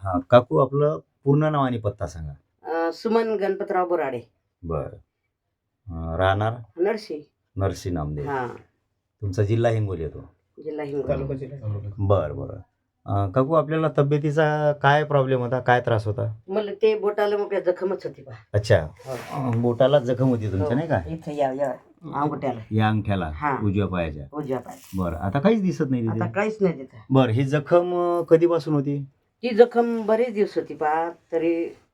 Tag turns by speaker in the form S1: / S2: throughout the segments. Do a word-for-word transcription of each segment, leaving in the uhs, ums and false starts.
S1: हा काकू आपलं पूर्ण नाव आणि पत्ता सांगा.
S2: अ, सुमन गणपतराव बोराडे.
S1: बरं. अं, राहणार
S2: नरशी.
S1: नरसी नामदेव.
S2: हा.
S1: तुमचा जिल्हा हिंगोली येतो.
S2: जिल्हा हिंगोली.
S3: तालुका जिल्हा.
S1: बरं बरं. अं, काकू आपल्याला तब्येतीचा काय प्रॉब्लेम होता, काय त्रास होता?
S2: मला ते बोटाला मग जखमच होती बा.
S1: अच्छा.
S2: हो.
S1: अं, बोटाला जखम होती तुमच्या नाही का?
S2: इथं या या अंगठ्याला.
S1: या अंगठ्याला
S2: हा.
S1: उजव्या पायाच्या.
S2: उजव्या पाय.
S1: बरं आता काहीच दिसत नाही
S2: आता
S1: तिथे.
S2: काहीच नाही तिथं.
S1: बरं ही जखम अं, कधीपासून होती?
S2: ती जखम बरेच दिवस होती बा, तरी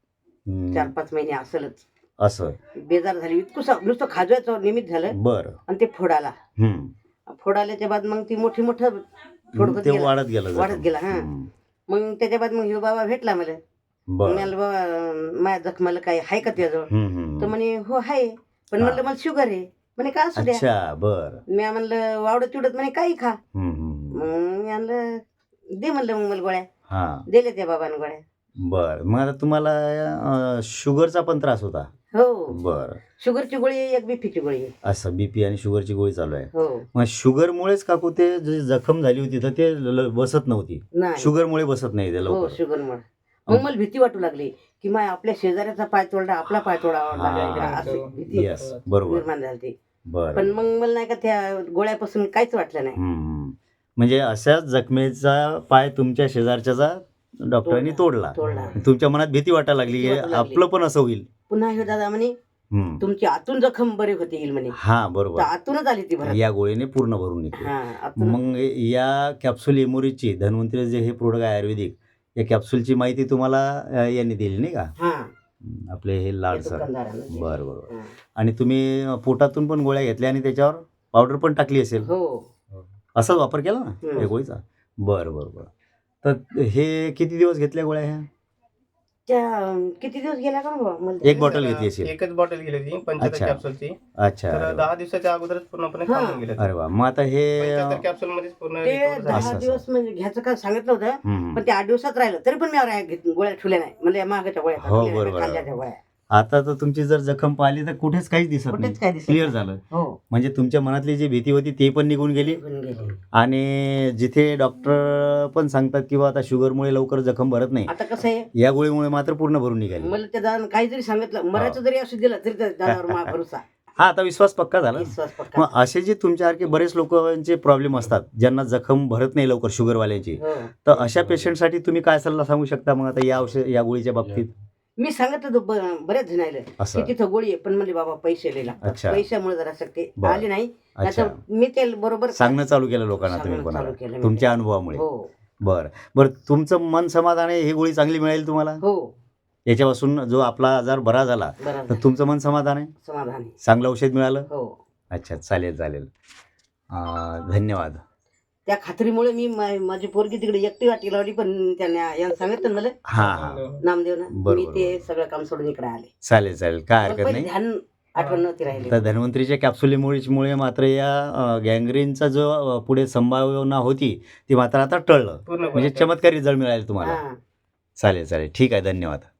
S1: हं,
S2: चार पाच महिने असलच.
S1: असं.
S2: बेजार झाली इतकं नुसतं खाजवायचं निमित्त झालं
S1: बरं.
S2: आणि ते फोडाला.
S1: हं.
S2: फोडाल्याच्या बाद मग ती मोठी मोठं फोड होत
S1: ते
S2: गेलं.
S1: वाढत गेलं
S2: वाढत
S1: जखम.
S2: गेला हा.
S1: हं.
S2: मग त्याच्या बाद मग ह्यो बाबा भेटला मला. मग
S1: बरं.
S2: म्हणलं बाबा माझ्या जखमाला काय आहे का तुझ्याजवळ?
S1: हं, हं,
S2: तर
S1: हं.
S2: म्हणे हो आहे, पण
S1: हा.
S2: म्हणलं मला शुगर आहे. म्हणे का असू द्या.
S1: अच्छा बरं.
S2: मी म्हणलं वावडत चिवडत म्हणे काही खा.
S1: हं, हं, हं.
S2: मग मी म्हणलं दे म्हणलं मग मला गोळ्या.
S1: हां.
S2: दिल्या त्या बाबानं गोळ्या.
S1: बरं. मग आता तुम्हाला अं, शुगरचा पण त्रास होता?
S2: हो.
S1: बरं.
S2: शुगरची गोळी आहे, एक बीपीची गोळी आहे.
S1: असं बीपी आणि शुगरची गोळी चालू आहे.
S2: हो.
S1: मग शुगरमुळेच काकू ते जी जखम झाली होती तर ते ल- ल- बसत नव्हती.
S2: नाही.
S1: शुगरमुळे बसत नाही ते
S2: हो
S1: लवकर.
S2: शुगरमुळे. मग मला भीती वाटू लागली की माय आपल्या शेजाऱ्याचा पाय तोडला आपला पाय तोडावा
S1: हा.
S2: लागला असं भीती
S1: येस बरोबर.
S2: निर्माण झाली ती.
S1: बरं.
S2: पण मग मला नाही का त्या गोळ्यापासून काहीच वाटलं नाही.
S1: हं. म्हणजे अशाच जखमेचा पाय तुमच्या शेजारच्याचा डॉक्टरांनी तोडला.
S2: तोडला.
S1: तुमच्या मनात भीती वाटायला लागली
S2: भीती
S1: की
S2: वाटायला लागली.
S1: आपलं पण असं होईल.
S2: पुन्हा हे दादा म्हणे
S1: हं.
S2: तुमची आतून जखम बरी होती येईल म्हणे.
S1: हा
S2: तर
S1: बरोबर.
S2: आतूनच आली ती भरत.
S1: या गोळीने पूर्ण भरून निघते.
S2: हा आतून.
S1: मग या कॅप्सूल एमोरीची धन्वंतरी जे हे प्रोडक्ट आहे आयुर्वेदिक या कॅप्सूलची माहिती तुम्हाला अ, यांनी दिली नाही का?
S2: हा.
S1: हं, आपले हे लाड
S2: ते
S1: सर.
S2: दुकानदारानं दिली.
S1: बरं बरोबर.
S2: हा.
S1: आणि तुम्ही पोटातून पण गोळ्या घेतल्या आणि त्याच्यावर पावडर पण टाकली असेल.
S2: हो.
S1: असाच वापर केला ना
S2: हं.
S1: या गोळीचा? बरं बरं बरं. तर हे किती दिवस घेतल्या गोळ्या ह्या?
S2: त्या किती दिवस गेला का बाबा मला?
S1: एक बॉटल घेतली असेल.
S3: एकच बॉटल गेली होती पंच्याहत्तर
S1: अच्छा.
S3: कॅप्सूलची.
S1: अच्छा.
S3: तर
S1: अरे वा.
S3: दहा दिवसाच्या अगोदरच पूर्णपणे
S2: हा.
S3: खाऊन गेले.
S1: अरे वा. मग आता हे
S3: पंच्याहत्तर कॅप्सूल मध्येच पूर्ण
S2: ते
S3: recover झाले.
S2: दहा
S1: असं.
S2: दिवस म्हणजे घ्यायचं का सांगितलं होतं,
S1: हं.
S2: पण ते आठ दिवसात राहिलं तरी पण मी आवरा- घेत- गोळ्या ठेवल्या नाही. म्हणजे मागाच्या गोळ्या
S1: हो,
S2: ठेवल्या नाही,
S1: बरोबर.
S2: खाल्ल्याच्या गोळ्या
S1: आता तर तुमची जर जखम पाहिली तर कुठेच काहीच दिसत नाही.
S2: कुठेच काय दिसत
S1: क्लिअर
S2: नाही.
S1: झालं.
S2: हो.
S1: म्हणजे तुमच्या मनातली जी भीती होती ती पण निघून गेली.
S2: निघून गेली.
S1: आणि जिथे डॉक्टर पण सांगतात की बा आता शुगरमुळे लवकर जखम भरत नाही,
S2: आता कसं आहे,
S1: या गोळीमुळे मात्र पूर्ण भरून निघाली.
S2: मला त्या दादा काही जरी सांगितलं मरायचं जरी असं दिलं तरी त्या दादावर मा भरोसा.
S1: हा आता विश्वास पक्का झाला.
S2: विश्वास पक्का.
S1: मग असे जे तुमच्यासारखे बरेच लोकांचे प्रॉब्लेम असतात ज्यांना जखम भरत नाही लवकर शुगरवाल्यांची,
S2: हो.
S1: तर अशा पेशंटसाठी तुम्ही काय सल्ला सांगू शकता मग आता या औषध या गोळीच्या बाबतीत?
S2: मी सांगितलं होतं ब- बऱ्याच जणायला की
S1: असं.
S2: तिथं गोळी आहे, पण म्हणजे बाबा पैसे लय लागतात.
S1: अच्छा.
S2: पैशामुळे जरा ते
S1: बरं.
S2: आले नाही.
S1: अच्छा.
S2: नाहीतर मी ते बरोबर
S1: सांगणं चालू केलं लोकांना तुम्ही
S2: सांगणं
S1: कोणाला
S2: चालू केलं मी.
S1: तुमच्या अनुभवामुळे?
S2: हो.
S1: बरं बरं. तुमचं मन समाधान आहे, ही गोळी चांगली मिळेल तुम्हाला
S2: हो.
S1: याच्यापासून जो आपला आजार बरा झाला
S2: बरं
S1: तर तुमचं मन समाधान आहे,
S2: समाधान आहे.
S1: चांगलं औषध मिळालं?
S2: हो.
S1: अच्छा चालेल चालेल. अं, धन्यवाद.
S2: त्या खात्रीमुळे मी मा- माझी पोरगी तिकडे एकटी वाटी लावली, पण त्यांना यांना सांगितलं ना मला
S1: हां हां
S2: नामदेवनं,
S1: बरोबर,
S2: मी ते
S1: बरोबर.
S2: सगळं काम सोडून इकडे आले.
S1: चालेल चालेल काय
S2: पण
S1: हरकत
S2: पहिले
S1: नाही.
S2: ध्यान आठवण नव्हती राहिली.
S1: तर धन्वंतरीच्या कॅप्सुलीमुळे मात्र या गँग्रीनचा जो अ, पुढे संभावना होती ती मात्र आता टळलं.
S3: पूर्णपणे
S1: म्हणजे चमत्कारी रिझल्ट मिळाले तुम्हाला.
S2: हा.
S1: चालेल चालेल ठीक आहे धन्यवाद.